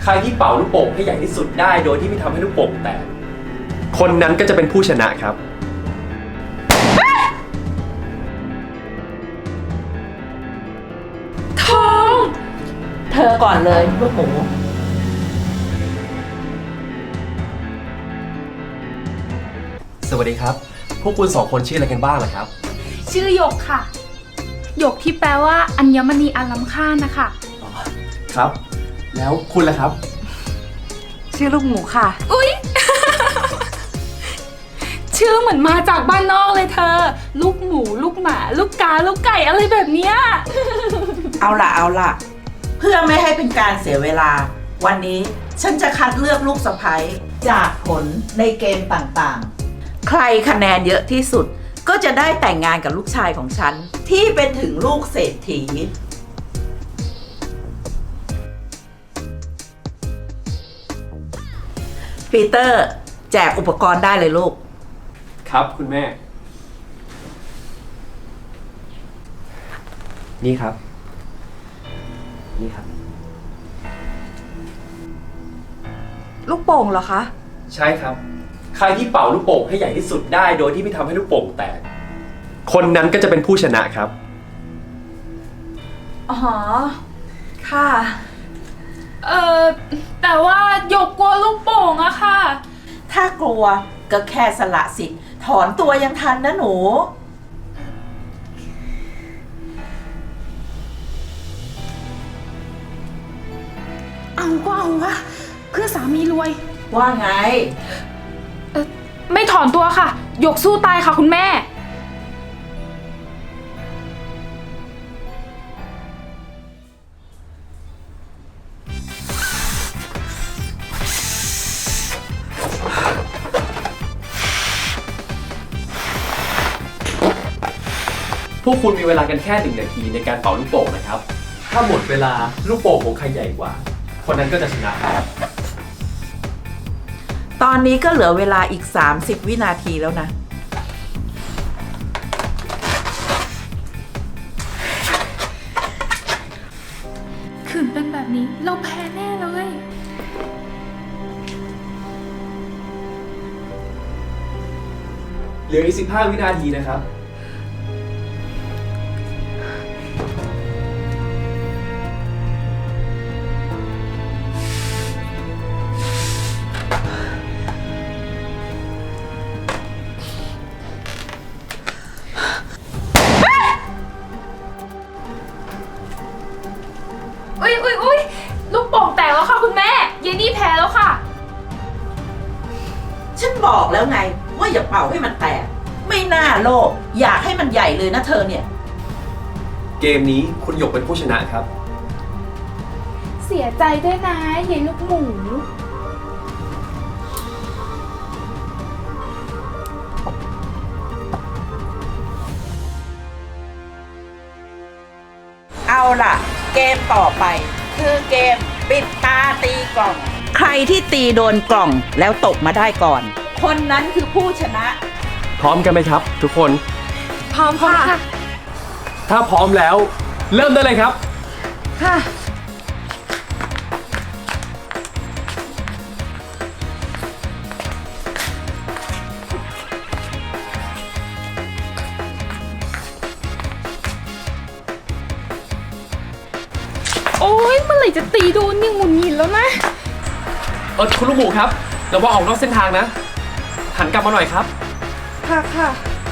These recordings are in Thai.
ใครที่เป่าลูกโป่งให้ใหญ่ที่สุดได้โดยที่ไม่ทำให้ลูกโป่งแตกคนนั้นก็จะเป็นผู้ชนะครับทองเธอก่อนเลยลูกหมูสวัสดีครับ พวกคุณสองคนชื่ออะไรกันบ้างล่ะครับชื่อหยกค่ะหยกที่แปลว่าอัญมณีอันล้ำค่านะคะอ๋อครับ แล้วคุณล่ะครับชื่อลูกหมูค่ะอุ๊ย ชื่อเหมือนมาจากบ้านนอกเลยเธอ ลูกหมูลูกหมาลูกกาลูกไก่อะไรแบบเนี้ยเอาล่ะ เพื่อไม่ให้เป็นการเสียเวลา วันนี้ฉันจะคัดเลือกลูกสะใภ้จากผลในเกมต่างๆ ใครคะแนนเยอะที่สุดก็จะได้แต่งงานกับลูกชายของฉัน ที่เป็นถึงลูกเศรษฐีปีเตอร์แจกอุปกรณ์ได้เลยลูกครับคุณแม่ นี่ครับ นี่ครับลูกโป่งเหรอคะใช่ครับ ใครที่เป่าลูกโป่งให้ใหญ่ที่สุดได้โดยที่ไม่ทำให้ลูกโป่งแตกคนนั้นก็จะเป็นผู้ชนะครับอ๋อ ค่ะแต่ว่าหยกกลัวลูกโป่งอะค่ะถ้ากลัวก็แค่สละสิทธิ์ถอนตัวยังทันนะหนูเอาก็เอาวะเพื่อสามีรวยว่าไงไม่ถอนตัวค่ะหยกสู้ตายค่ะคุณแม่พวกคุณมีเวลากันแค่1 นาทีในการเป่าลูกโป่งนะครับ ถ้าหมดเวลาลูกโป่งของใครใหญ่กว่า คนนั้นก็จะชนะครับตอนนี้ก็เหลือเวลาอีก 30 วินาทีแล้วนะขืนเป็นแบบนี้เราแพ้แน่เลยเหลืออีก15 วินาทีนะครับอุ๊ยลูกโป่งแตกแล้วค่ะคุณแม่เยนนี่แพ้แล้วค่ะฉันบอกแล้วไงว่าอย่าเป่าให้มันแตก ไม่น่าโลภอยากให้มันใหญ่เลยนะเธอเนี่ยเกมนี้คุณหยกเป็นผู้ชนะครับเสียใจด้วยนะเยนลูกหมูเอาล่ะ เกมต่อไป คือเกมปิดตาตีกล่อง ใครที่ตีโดนกล่องแล้วตกมาได้ก่อน คนนั้นคือผู้ชนะพร้อมกันไหมครับ ทุกคนพร้อมค่ะถ้าพร้อมแล้ว เริ่มได้เลยครับค่ะโอ๊ยเมื่อไหร่จะตีโดนเนี่ยหงุดหงิดแล้วนะคุณลูกหมูครับระวังออกนอกเส้นทางนะ หันกลับมาหน่อยครับค่ะค่ะ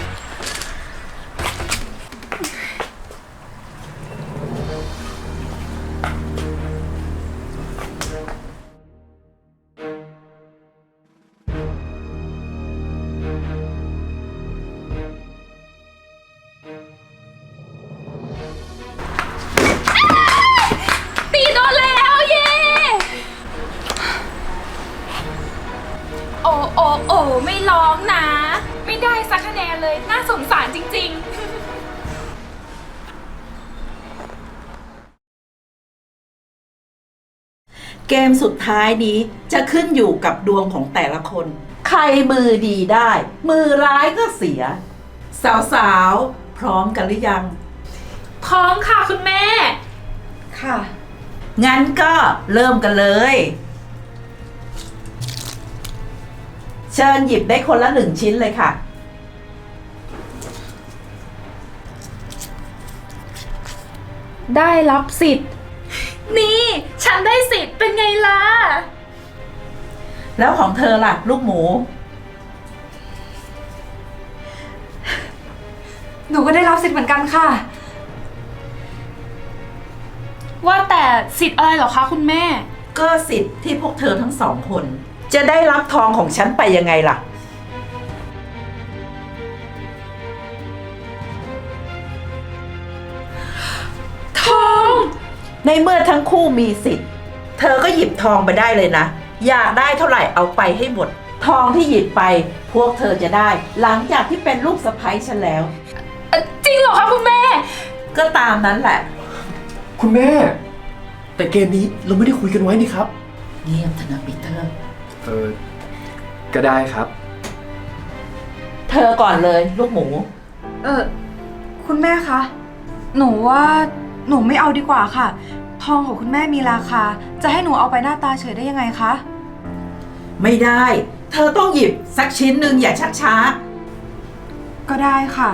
ตีโดนแล้วเย่โอ้ไม่ร้องนะ ไม่ได้สักคะแนนเลยน่าสงสารจริงๆเกมสุดท้ายนี้จะขึ้นอยู่กับดวงของแต่ละคน ใครมือดีได้ มือร้ายก็เสีย สาวๆ พร้อมกันหรือยังพร้อมค่ะคุณแม่ค่ะงั้นก็เริ่มกันเลย เชิญหยิบได้คนละ1 ชิ้นเลยค่ะได้รับสิทธิ์ นี่ ฉันได้สิทธิ์เป็นไงล่ะแล้วของเธอล่ะ ลูกหมูหนูก็ได้รับสิทธิ์เหมือนกันค่ะว่าแต่สิทธิ์อะไรเหรอคะคุณแม่ก็สิทธิ์ที่พวกเธอทั้งสองคน จะได้รับทองของฉันไปยังไงล่ะทองในเมื่อทั้งคู่มีสิทธิ์ เธอก็หยิบทองไปได้เลยนะ อยากได้เท่าไหร่เอาไปให้หมด ทองที่หยิบไป พวกเธอจะได้ หลังจากที่เป็นลูกสะใภ้ฉันแล้วจริงเหรอคะคุณแม่ก็ตามนั้นแหละคุณแม่ แต่เกมนี้เราไม่ได้คุยกันไว้นี่ครับเงียบเถอะนะปีเตอร์ก็ได้ครับเธอก่อนเลยลูกหมูคุณแม่คะ หนูว่าหนูไม่เอาดีกว่าค่ะ ทองของคุณแม่มีราคา จะให้หนูเอาไปหน้าตาเฉยได้ยังไงคะไม่ได้ เธอต้องหยิบสักชิ้นหนึ่งอย่าชักช้าก็ได้ค่ะ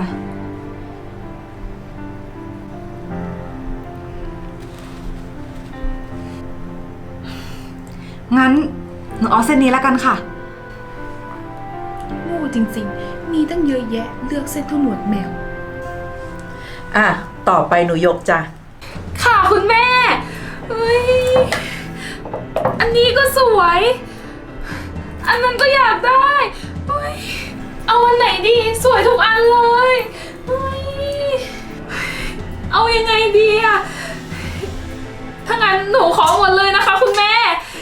งั้นหนูเอาเส้นนี้แล้วกันค่ะโง่จริงๆ มีตั้งเยอะแยะเลือกเส้นเท่าหนวดแมวอ่ะ ต่อไปหนูยกจ้ะค่ะคุณแม่เฮ้ย อันนี้ก็สวย อันนั้นก็อยากได้เฮ้ยเอาอันไหนดี สวยทุกอันเลยเฮ้ยเอายังไงดีอะถ้างั้นหนูขอหมดเลยนะคะคุณแม่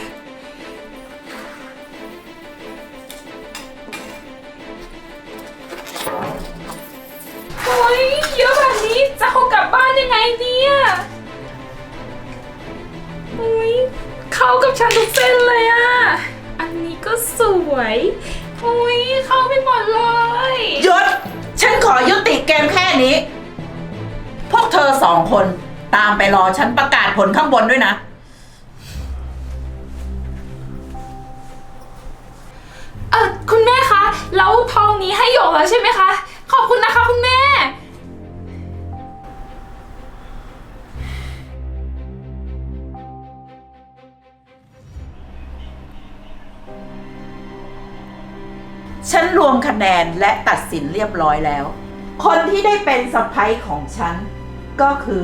โอ้ยเยอะแบบนี้จะเอากลับบ้านยังไงเนี่ยโอ้ยเข้ากับฉันทุกเส้นเลยอะอันนี้ก็สวยโอ้ยเข้าไปหมดเลยหยุด ฉันขอยุติเกมแค่นี้ พวกเธอสองคนตามไปรอฉันประกาศผลข้างบนด้วยนะคุณแม่คะแล้วทองนี้ให้หยกแล้วใช่ไหมคะ ขอบคุณนะคะคุณแม่ฉันรวมคะแนนและตัดสินเรียบร้อยแล้ว คนที่ได้เป็นสะใภ้ของฉัน ก็คือ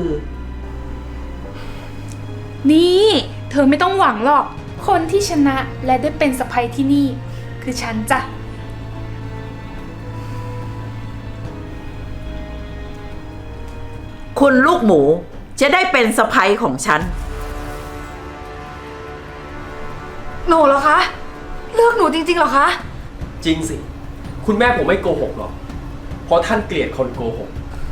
นี่เธอไม่ต้องหวังหรอก คนที่ชนะและได้เป็นสะใภ้ที่นี่ คือฉันจ้ะคุณลูกหมูจะได้เป็นสะใภ้ของฉันหนูเหรอคะ เลือกหนูจริงๆเหรอคะจริงสิ คุณแม่ผมไม่โกหกหรอก เพราะท่านเกลียดคนโกหก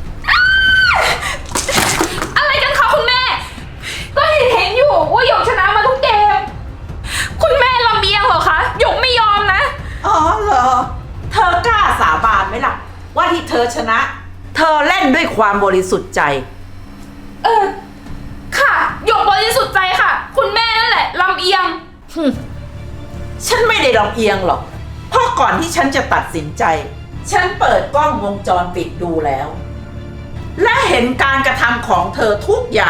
อะไรกันคะคุณแม่ ก็เห็นอยู่ว่าหยกชนะมาทุกเกม คุณแม่ลำเอียงเหรอคะหยกไม่ยอมนะอ๋อเหรอ เธอกล้าสาบานไหมล่ะ ว่าที่เธอชนะ เธอเล่นด้วยความบริสุทธิ์ใจค่ะหยกบริสุทธิ์ใจค่ะ คุณแม่นั่นแหละลำเอียงฉันไม่ได้ลำเอียงหรอก เพราะก่อนที่ฉันจะตัดสินใจ ฉันเปิดกล้องวงจรปิดดูแล้ว และเห็นการกระทำของเธอทุกอย่าง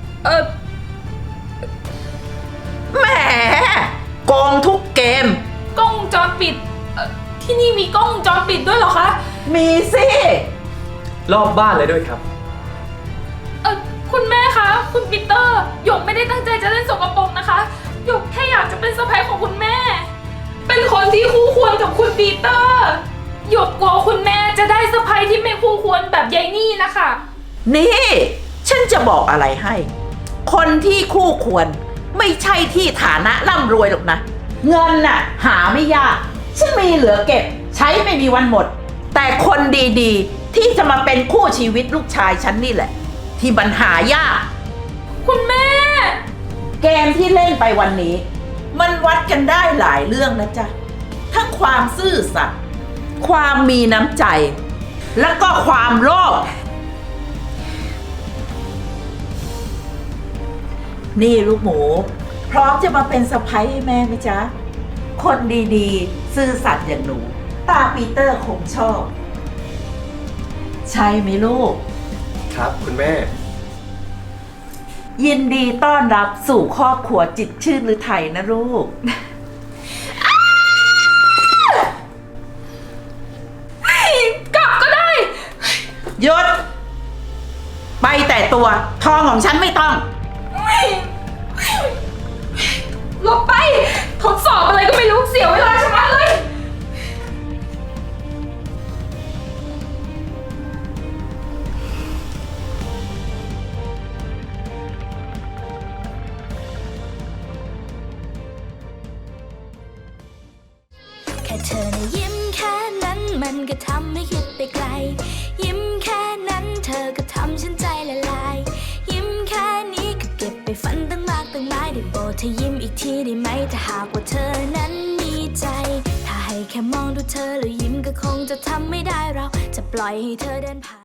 แหมโกงทุกเกมกล้องวงจรปิดที่นี่มีกล้องวงจรปิดด้วยเหรอคะมีสิรอบบ้านเลยด้วยครับคุณแม่คะ คุณปีเตอร์หยกไม่ได้ตั้งใจจะเล่นสกปรกนะคะหยกแค่อยากจะเป็นสะใภ้ของคุณแม่ เป็นคนที่คู่ควรกับคุณปีเตอร์หยกกลัวคุณแม่จะได้สะใภ้ที่ไม่คู่ควรแบบยายนี่นะคะนี่ ฉันจะบอกอะไรให้ คนที่คู่ควรไม่ใช่ที่ฐานะร่ำรวยหรอกนะ เงินน่ะ หาไม่ยาก ฉันมีเหลือเก็บ ใช้ไม่มีวันหมด แต่คนดีๆ ที่จะมาเป็นคู่ชีวิตลูกชายฉันนี่แหละ ที่มันหายากคุณแม่เกมที่เล่นไปวันนี้ มันวัดกันได้หลายเรื่องนะจ๊ะ ทั้งความซื่อสัตย์ความมีน้ำใจ แล้วก็ความโลภนี่ลูกหมู พร้อมจะมาเป็นสะใภ้ให้แม่ไหมจ๊ะ คนดีๆ ซื่อสัตย์อย่างหนู ตาปีเตอร์คงชอบ ใช่ไหมลูกครับคุณแม่ยินดีต้อนรับสู่ครอบครัวจิตรชื่นฤทัยนะลูกกลับก็ได้หยุด ไปแต่ตัวทองของฉันไม่ต้องหลบไป ทดสอบอะไรก็ไม่รู้ เสียเวลาชะมัดเลยแค่เธอนะยิ้มแค่นั้นมันก็ทำให้คิดไปไกล ยิ้มแค่นั้นเธอก็ทำฉันใจละลาย ยิ้มแค่นี้ก็เก็บไปฝันตั้งมากตั้งหลายได้โปรดเธอยิ้มอีกทีได้ไหมถ้าหากว่าเธอนั้นมีใจ ถ้าให้แค่มองดูเธอแล้วยิ้มก็คงจะทำไม่ได้เราจะปล่อยให้เธอเดินผ่าน